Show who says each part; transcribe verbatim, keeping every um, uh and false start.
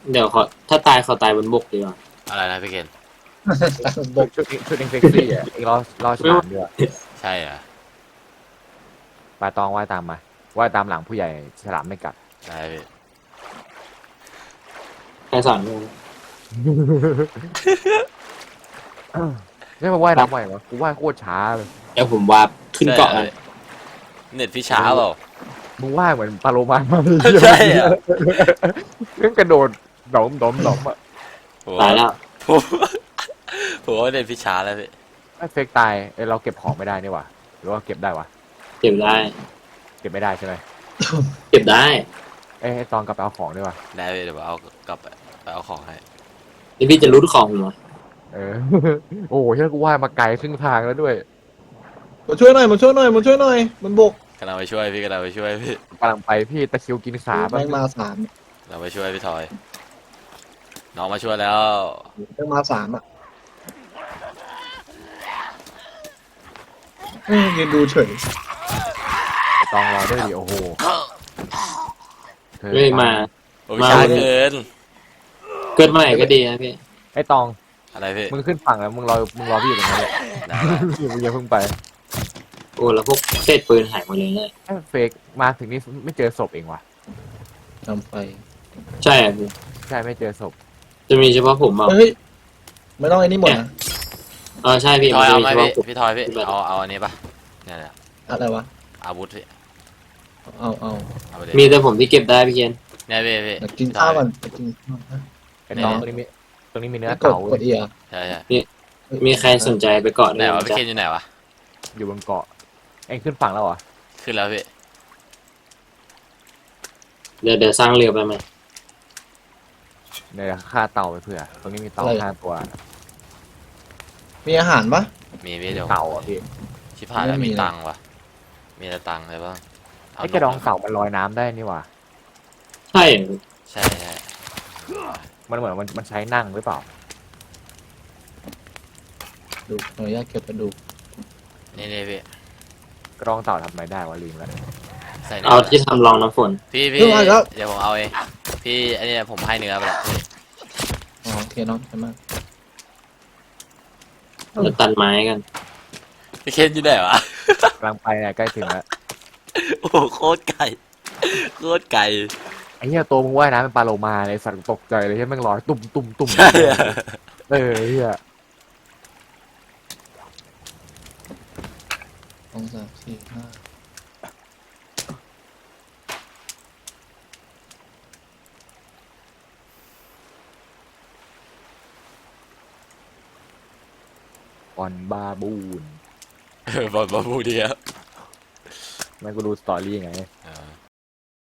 Speaker 1: เดี๋ยวขอถ้าตายขอตายบนบกดีกว่า
Speaker 2: อะไรนะพี่เกณฑ์
Speaker 3: บกชุดชุดเองเซ็กซี่อ่ะเองรอรอฉลามด้วย
Speaker 2: ใช่เหรอ
Speaker 3: ปลาตองว่ายตามมาว่ายตามหลังผู้ใหญ่ฉลามไม่กัด
Speaker 2: ได้พี่
Speaker 1: ใครสอนมึง
Speaker 3: นี่มาว่ายน้ำไหวเหรอกูว่ายโคตรช้าเลย
Speaker 1: เดี๋ยวผมวาร์ปขึ้นเกาะ
Speaker 2: ใช่
Speaker 1: เล
Speaker 2: หรอย เน็ตพี่ช้าเปล่า
Speaker 3: มึงว่ายเหมือนปลาโลมามาเลย
Speaker 2: ใช่เหรอ
Speaker 3: เรื่องกระโดดดอมดอมดอมอ่ะ
Speaker 2: ผม
Speaker 1: ตายแล้ว
Speaker 2: ผมผมว่าเน็ตพี่ช้าแล้วพี่
Speaker 3: ไอ้เฟกตายเอ้ยเราเก็บของไม่ได้นี่หว่าหรือว่าเก็บได้วะ
Speaker 1: เก็บได้
Speaker 3: เก็บไม่ได้ใช่ไหม
Speaker 1: เก็บได้
Speaker 3: เอ้ยให้ตอนกลับไปเอาของด้วยวะ
Speaker 2: ได้พี่เดี๋ยวผมเอากลับไปไปเอาของให้
Speaker 1: นี่พี่จะรู้ของผมเหรอ
Speaker 3: เออ โอ้โหเชื่อกูว่ายมาไกลครึ่งทางแล้วด้วย
Speaker 4: มาช่วยหน่อยมาช่วยหน่อยมาช่วยหน่อยมันบก
Speaker 2: กำลังไปช่วยพี่กำลังไปช่วยพี่
Speaker 3: กำลังไปพี่ตะคริวกินขา
Speaker 4: แม่งมาสาม
Speaker 2: กำลังไปช่วยพี่ทอย น้องมาช่วยแล้ว
Speaker 4: แม่งมาสามอ่ะอืมยืนดูเฉย
Speaker 3: ตองรอด้วยดิโอ้โหธอ
Speaker 1: เฮ้ยมา
Speaker 2: โอ้ยช้าเกิน
Speaker 1: เกิดเมื่อไหร่ก็ดีนะพี่
Speaker 3: ไอ้ตอง
Speaker 2: อะไรพี่
Speaker 3: มึงขึ้นฝั่งแล้วมึงรอมึงรอพี่อยู่ตรงนั้นแหละ
Speaker 2: ได้
Speaker 3: มึงอย่าเพิ่งไป
Speaker 1: โอ้แล้วพวกเศษปืนหายหมดเลยเนี่ย
Speaker 3: ไอ้เฟกมาถึงนี่ไม่เจอศพเองว่ะ
Speaker 4: ทำไป
Speaker 1: ใช่อะพี่
Speaker 3: ใช่ไม่เจอศพ
Speaker 1: จะมีเฉพาะผมเอา
Speaker 4: เฮ้ยไม่ต้องไอ้นี่หมดนะ
Speaker 1: เออใช่พี่
Speaker 2: พี่ทอยเอาไหม
Speaker 1: นจะ
Speaker 2: พี่
Speaker 1: ฉพะผม
Speaker 2: พี่ทอยพี่เอาเอาอันนี้ปะเนี่ยเนี่ย
Speaker 4: อะไรวะ
Speaker 2: อาวุธพี่
Speaker 4: เอาเอา
Speaker 2: เอาไปเลย
Speaker 1: มีแต่ผมที่เก็บได้พี่เคน
Speaker 2: เนี่ยพี่พี่
Speaker 4: เดี๋ยวกินข้าวก่อนกินข้าวนะ
Speaker 3: ไอ้ตองตรงนี้มีตรงนี้มีเนื้อก
Speaker 4: ด
Speaker 3: เต่าก
Speaker 4: ดเอีย
Speaker 2: ใช่ใช่
Speaker 1: มีใครสนใจไปเกาะ
Speaker 2: ไหน
Speaker 1: ด้วย
Speaker 2: วะ
Speaker 1: ไหม
Speaker 2: พี่
Speaker 1: จ๊ะ
Speaker 2: เคนอยู่ไหนวะ
Speaker 3: อยู่บนเกาะเองขึ้นฝั่งแล้วเหรอ
Speaker 2: ขึ้นแล้วพี่
Speaker 1: เดี๋ยวเดี๋ยวสร้างเรือไปไหม
Speaker 3: เดี๋ยวฆ่าเต่าไปเผื่อตรงนี้มีเต่าห้าตัว
Speaker 4: มีอาหารปะ
Speaker 2: มีพี่เดี๋ยว
Speaker 3: เต่าอ่ะพี่
Speaker 2: ชิบหายแล้ว
Speaker 4: ไม่มี
Speaker 2: มี
Speaker 4: เลย
Speaker 2: ตังค์วะมีแต่ตังค์เลยบ้างเา
Speaker 3: ไอ้กระดอง
Speaker 2: นก
Speaker 3: เต่ามันลอยน้ำได้นี่หว่า
Speaker 1: ใช่เหรอ
Speaker 2: ใช่ใช่
Speaker 3: มันเหมือนมันมันใช้นั่งหรือเปล่า
Speaker 4: ดูขออนุญาตเก็บกระดูก
Speaker 2: นี่นี่พี่
Speaker 3: กระดองเต่าทำอะไรได้วะลืมแล้ว
Speaker 2: ใส่นี่
Speaker 1: เอาที่ทำรองน้ำฝน
Speaker 2: พี่พี่
Speaker 4: เพิ่งมาแล้ว
Speaker 2: เดี๋ยวผมเอาเองพี่อันนี้ผมให้เนื้อไปแล้วพี่
Speaker 4: อ๋อโอเคน้องใช่ไหม
Speaker 1: จะตัดไม้กัน
Speaker 2: พี่เคนอยู่ไหนวะ
Speaker 3: กำลังไปเนี่ยใกล้ถึงแล้ว
Speaker 2: โอ้โหโคตรไก่โคตรไก่
Speaker 3: ไอ้เหี้ยตัวมึงว่ายน้ำเป็นปลาโลมาเลยสัตว์ตกใจเลยที่แม่งลอยตุ่มตุ่มตุ่ม
Speaker 2: ใช่อะ
Speaker 3: เออไอ้เหี้ย
Speaker 4: สองสามสี่ห้า
Speaker 3: ออนบาบูน
Speaker 2: เออบอลบอลพูดดีครับ
Speaker 3: แม่งกูดูสตอรี่ไง
Speaker 2: อ่า